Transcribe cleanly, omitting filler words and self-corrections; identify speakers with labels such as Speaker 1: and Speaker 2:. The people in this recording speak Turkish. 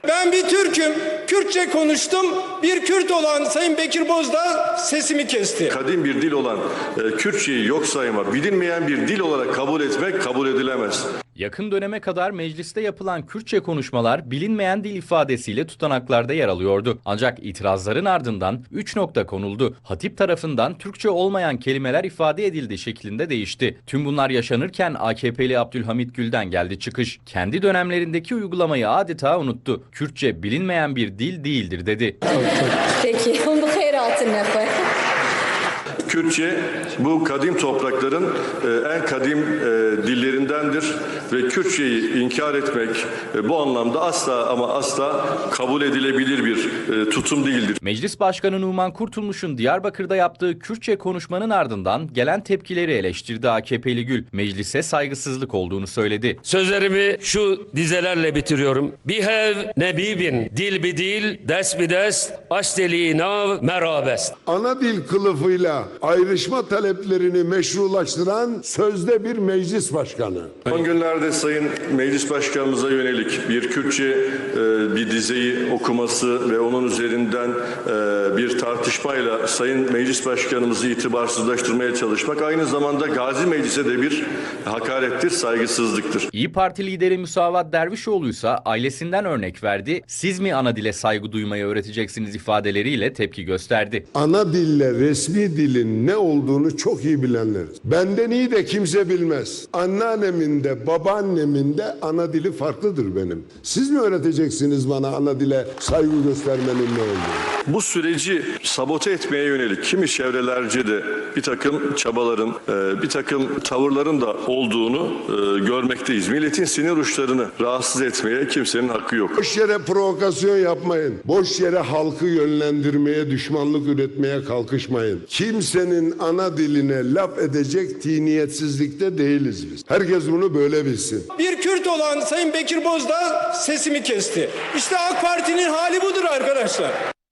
Speaker 1: Ben bir Türk'üm, Kürtçe konuştum. Bir Kürt olan Sayın Bekir Bozdağ sesimi kesti.
Speaker 2: Kadim bir dil olan Kürtçeyi yok sayma, bilinmeyen bir dil olarak kabul etmek kabul edilemez.
Speaker 3: Yakın döneme kadar mecliste yapılan Kürtçe konuşmalar bilinmeyen dil ifadesiyle tutanaklarda yer alıyordu. Ancak itirazların ardından 3 nokta konuldu. Hatip tarafından Türkçe olmayan kelimeler ifade edildi şeklinde değişti. Tüm bunlar yaşanırken AKP'li Abdülhamit Gül'den geldi çıkış. Kendi dönemlerindeki uygulamayı adeta unuttu. Kürtçe bilinmeyen bir dil değildir dedi.
Speaker 4: Peki, onu hayratına koy.
Speaker 2: Kürtçe bu kadim toprakların en kadim dillerindendir ve Kürtçeyi inkar etmek bu anlamda asla ama asla kabul edilebilir bir tutum değildir.
Speaker 3: Meclis Başkanı Numan Kurtulmuş'un Diyarbakır'da yaptığı Kürtçe konuşmanın ardından gelen tepkileri eleştirdi AKP'li Gül. Meclise saygısızlık olduğunu söyledi.
Speaker 5: Sözlerimi şu dizelerle bitiriyorum. Bihev nebibin dil bi dil, dest bi dest, aşdeli nav merabest.
Speaker 6: Ana dil kılıfıyla ayrışma taleplerini meşrulaştıran sözde bir meclis başkanı.
Speaker 2: Son günlerde Sayın Meclis Başkanımıza yönelik bir Kürtçe bir dizeyi okuması ve onun üzerinden bir tartışmayla Sayın Meclis Başkanımızı itibarsızlaştırmaya çalışmak aynı zamanda Gazi Meclis'e de bir hakarettir, saygısızlıktır.
Speaker 3: İYİ Parti lideri Musavat Dervişoğlu ise ailesinden örnek verdi. Siz mi ana dile saygı duymayı öğreteceksiniz ifadeleriyle tepki gösterdi.
Speaker 6: Ana dille resmi dilin ne olduğunu çok iyi bilenleriz. Benden iyi de kimse bilmez. Anneannemin de babaannemin de ana dili farklıdır benim. Siz mi öğreteceksiniz bana ana dile saygı göstermenin ne olduğunu?
Speaker 2: Bu süreci sabote etmeye yönelik kimi çevrelerce de bir takım çabaların, bir takım tavırların da olduğunu görmekteyiz. Milletin sinir uçlarını rahatsız etmeye kimsenin hakkı yok.
Speaker 6: Boş yere provokasyon yapmayın. Boş yere halkı yönlendirmeye, düşmanlık üretmeye kalkışmayın. Kimsenin ana diline laf edecek tiniyetsizlikte değiliz biz. Herkes bunu böyle bilsin.
Speaker 1: Bir Kürt olan Sayın Bekir Bozdağ sesimi kesti. İşte AK Parti'nin hali budur arkadaşlar.